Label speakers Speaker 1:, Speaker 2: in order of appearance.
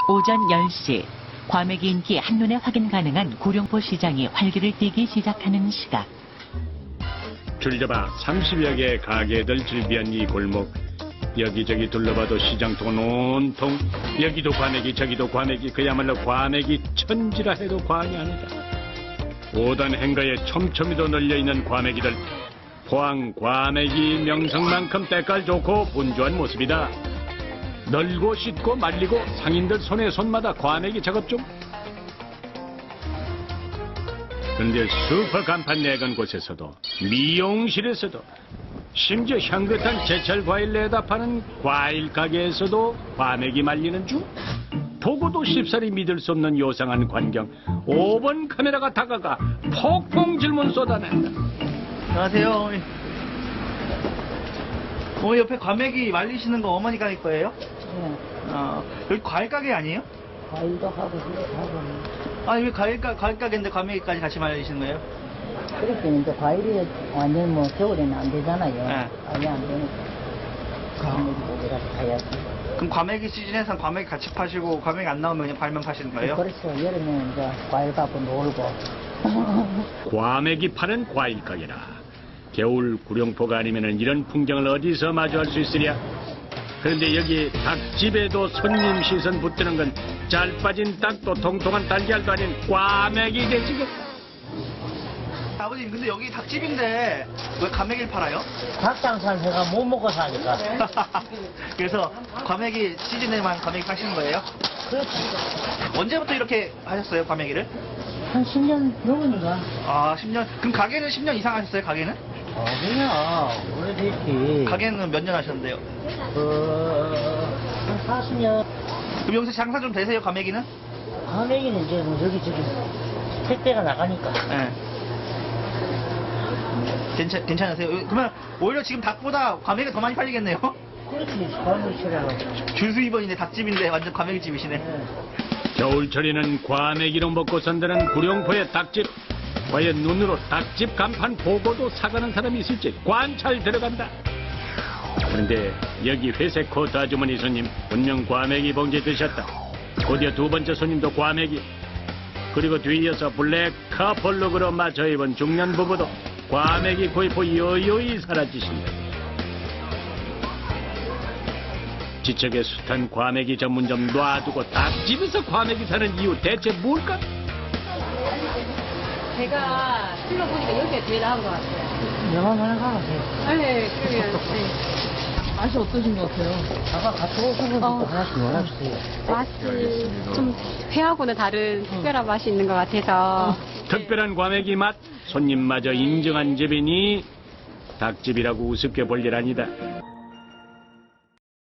Speaker 1: 오전 10시, 과메기 인기 한눈에 확인 가능한 구룡포 시장이 활기를 띠기 시작하는 시각.
Speaker 2: 줄 잡아 30여 개의 가게들 즐비한 이 골목. 여기저기 둘러봐도 시장통은 온통 여기도 과메기 저기도 과메기, 그야말로 과메기 천지라 해도 과언이 아니다. 오단 행가에 촘촘히도 널려있는 과메기들. 포항 과메기 명성만큼 때깔 좋고 분주한 모습이다. 널고 씻고 말리고 상인들 손에 손마다 과메기 작업 중. 그런데 슈퍼 간판 내건 곳에서도, 미용실에서도, 심지어 향긋한 제철 과일 내다 파는 과일 가게에서도 과메기 말리는 중. 보고도 쉽사리 믿을 수 없는 요상한 광경. 5번 카메라가 다가가 폭풍 질문 쏟아낸다.
Speaker 3: 안녕하세요, 어머니. 어머니 옆에 과메기 말리시는 거 어머니가 할 거예요?
Speaker 4: 네.
Speaker 3: 여기 과일 가게 아니에요?
Speaker 4: 과일도 하고 이것도 하고
Speaker 3: 아니 왜 과일 가게인데 과메기까지 같이 말리시는 거예요?
Speaker 4: 그렇게 이제 과일이 완전 뭐 겨울에는 안 되잖아요.
Speaker 3: 네.
Speaker 4: 아예 안 되니까 과메기 고기라도 사야지.
Speaker 3: 그럼 과메기 시즌에선 과메기 같이 파시고 과메기 안 나오면 그냥 과일만 파시는 거예요?
Speaker 4: 그렇죠. 여름에 이제 과일 갖고 놀고.
Speaker 2: 과메기 파는 과일 가게라. 겨울 구룡포가 아니면 이런 풍경을 어디서 마주할 수 있으랴. 그런데 여기 닭집에도 손님 시선 붙드는 건 잘 빠진 닭도 통통한 달걀도 아닌 과메기 대지겠.
Speaker 3: 아버님 근데 여기 닭집인데 왜 과메기를 팔아요?
Speaker 4: 닭장사는 제가 못 먹고 사니까.
Speaker 3: 그래서 과메기 시즌에만 과메기 파시는 거예요?
Speaker 4: 그렇지.
Speaker 3: 언제부터 이렇게 하셨어요 과메기를?
Speaker 4: 한 10년 넘으니까.
Speaker 3: 아 10년. 그럼 가게는 10년 이상 하셨어요 가게는?
Speaker 4: 그냥 오래됐지.
Speaker 3: 가게는 몇 년 하셨는데요?
Speaker 4: 한 40년.
Speaker 3: 그럼 여기서 장사 좀 되세요 과메기는?
Speaker 4: 과메기는 이제 뭐 여기저기 택배가 나가니까.
Speaker 3: 네. 괜찮으세요? 그러면 오히려 지금 닭보다 과메기가 더 많이 팔리겠네요?
Speaker 4: 그렇지. 과메기 싫어하고.
Speaker 3: 줄수입원인데 닭집인데 완전 과메기집이시네.
Speaker 2: 겨울철에는 과메기로 먹고 산다는 구룡포의 닭집. 과연 눈으로 닭집 간판 보고도 사가는 사람이 있을지 관찰 들어간다. 그런데 여기 회색 코트 아주머니 손님 분명 과메기 봉지 드셨다. 곧이어 두 번째 손님도 과메기. 그리고 뒤이어서 블랙 카폴룩으로 맞춰 입은 중년 부부도 과메기 구입 후 여요히 사라지신다. 지척에 숱한 과메기 전문점 놔두고 닭집에서 과메기 사는 이유 대체 뭘까?
Speaker 5: 제가 둘러보니까 여기가 제일 나은 것 같아요.
Speaker 4: 영화만 가보세요.
Speaker 5: 네, 그러면, 네. 맛이 어떠신 것 같아요?
Speaker 4: 아까 같이 오신 분도 하나씩 놀아주세요.
Speaker 5: 맛이 좀 회하고는 다른 특별한 맛이 있는 것 같아서.
Speaker 2: 특별한 과메기 맛, 손님마저 인정한 집이니 닭집이라고 우습게 볼 일 아니다.